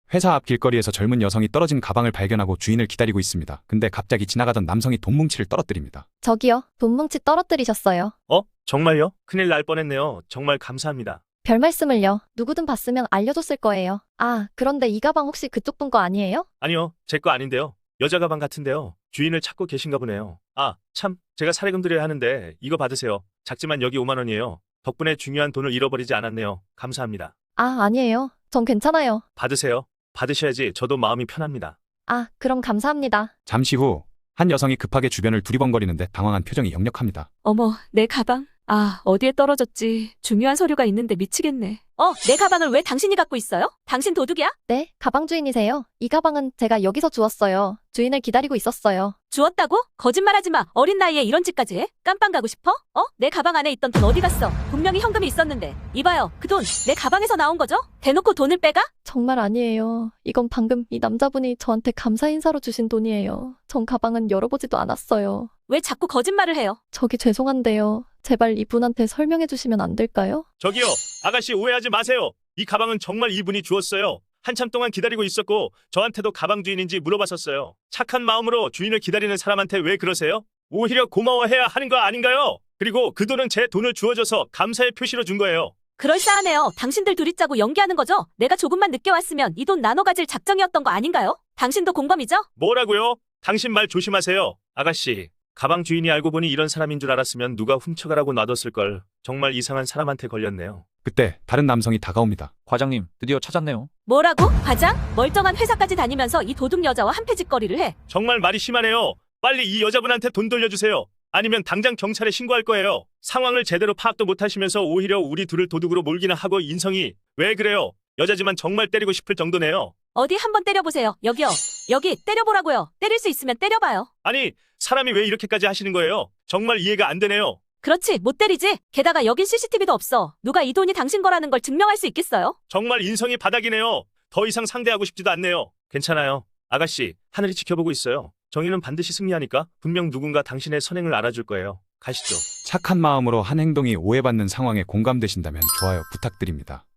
회사 앞 길거리에서 젊은 여성이 떨어진 가방을 발견하고 주인을 기다리고 있습니다. 근데 갑자기 지나가던 남성이 돈 뭉치를 떨어뜨립니다. 저기요, 돈 뭉치 떨어뜨리셨어요. 정말요? 큰일 날 뻔했네요. 정말 감사합니다. 별 말씀을요. 누구든 봤으면 알려줬을 거예요. 아, 그런데 이 가방 혹시 그쪽 분 거 아니에요? 아니요, 제 거 아닌데요. 여자 가방 같은데요. 주인을 찾고 계신가 보네요. 아, 참, 제가 사례금 드려야 하는데 이거 받으세요. 작지만 여기 5만 원이에요. 덕분에 중요한 돈을 잃어버리지 않았네요. 감사합니다. 아, 아니에요. 전 괜찮아요. 받으세요. 받으셔야지 저도 마음이 편합니다. 아, 그럼 감사합니다. 잠시 후 한 여성이 급하게 주변을 두리번거리는데 당황한 표정이 역력합니다. 어머, 내 가방. 아, 어디에 떨어졌지? 중요한 서류가 있는데 미치겠네. 내 가방을 왜 당신이 갖고 있어요? 당신 도둑이야? 네, 가방 주인이세요? 이 가방은 제가 여기서 주웠어요. 주인을 기다리고 있었어요. 주웠다고? 거짓말하지 마. 어린 나이에 이런 짓까지 해? 깜빵 가고 싶어? 내 가방 안에 있던 돈 어디 갔어? 분명히 현금이 있었는데. 이봐요. 그 돈 내 가방에서 나온 거죠? 대놓고 돈을 빼가? 정말 아니에요. 이건 방금 이 남자분이 저한테 감사 인사로 주신 돈이에요. 전 가방은 열어보지도 않았어요. 왜 자꾸 거짓말을 해요? 저기 죄송한데요. 제발 이분한테 설명해 주시면 안 될까요? 저기요, 아가씨 오해하지 마세요. 이 가방은 정말 이분이 주었어요. 한참 동안 기다리고 있었고 저한테도 가방 주인인지 물어봤었어요. 착한 마음으로 주인을 기다리는 사람한테 왜 그러세요? 오히려 고마워해야 하는 거 아닌가요? 그리고 그 돈은 제 돈을 주어줘서 감사의 표시로 준 거예요. 그럴싸하네요. 당신들 둘이 짜고 연기하는 거죠? 내가 조금만 늦게 왔으면 이 돈 나눠 가질 작정이었던 거 아닌가요? 당신도 공범이죠? 뭐라고요? 당신 말 조심하세요. 아가씨, 가방 주인이 알고 보니 이런 사람인 줄 알았으면 누가 훔쳐가라고 놔뒀을걸. 정말 이상한 사람한테 걸렸네요. 그때 다른 남성이 다가옵니다. 과장님, 드디어 찾았네요. 뭐라고? 과장? 멀쩡한 회사까지 다니면서 이 도둑 여자와 한패짓거리를 해. 정말 말이 심하네요. 빨리 이 여자분한테 돈 돌려주세요. 아니면 당장 경찰에 신고할 거예요. 상황을 제대로 파악도 못하시면서 오히려 우리 둘을 도둑으로 몰기나 하고 인성이 왜 그래요? 여자지만 정말 때리고 싶을 정도네요. 어디 한번 때려보세요. 여기요. 여기 때려보라고요. 때릴 수 있으면 때려봐요. 아니, 사람이 왜 이렇게까지 하시는 거예요? 정말 이해가 안 되네요. 그렇지, 못 때리지. 게다가 여긴 CCTV도 없어. 누가 이 돈이 당신 거라는 걸 증명할 수 있겠어요? 정말 인성이 바닥이네요. 더 이상 상대하고 싶지도 않네요. 괜찮아요. 아가씨, 하늘이 지켜보고 있어요. 정의는 반드시 승리하니까 분명 누군가 당신의 선행을 알아줄 거예요. 가시죠. 착한 마음으로 한 행동이 오해받는 상황에 공감되신다면 좋아요 부탁드립니다.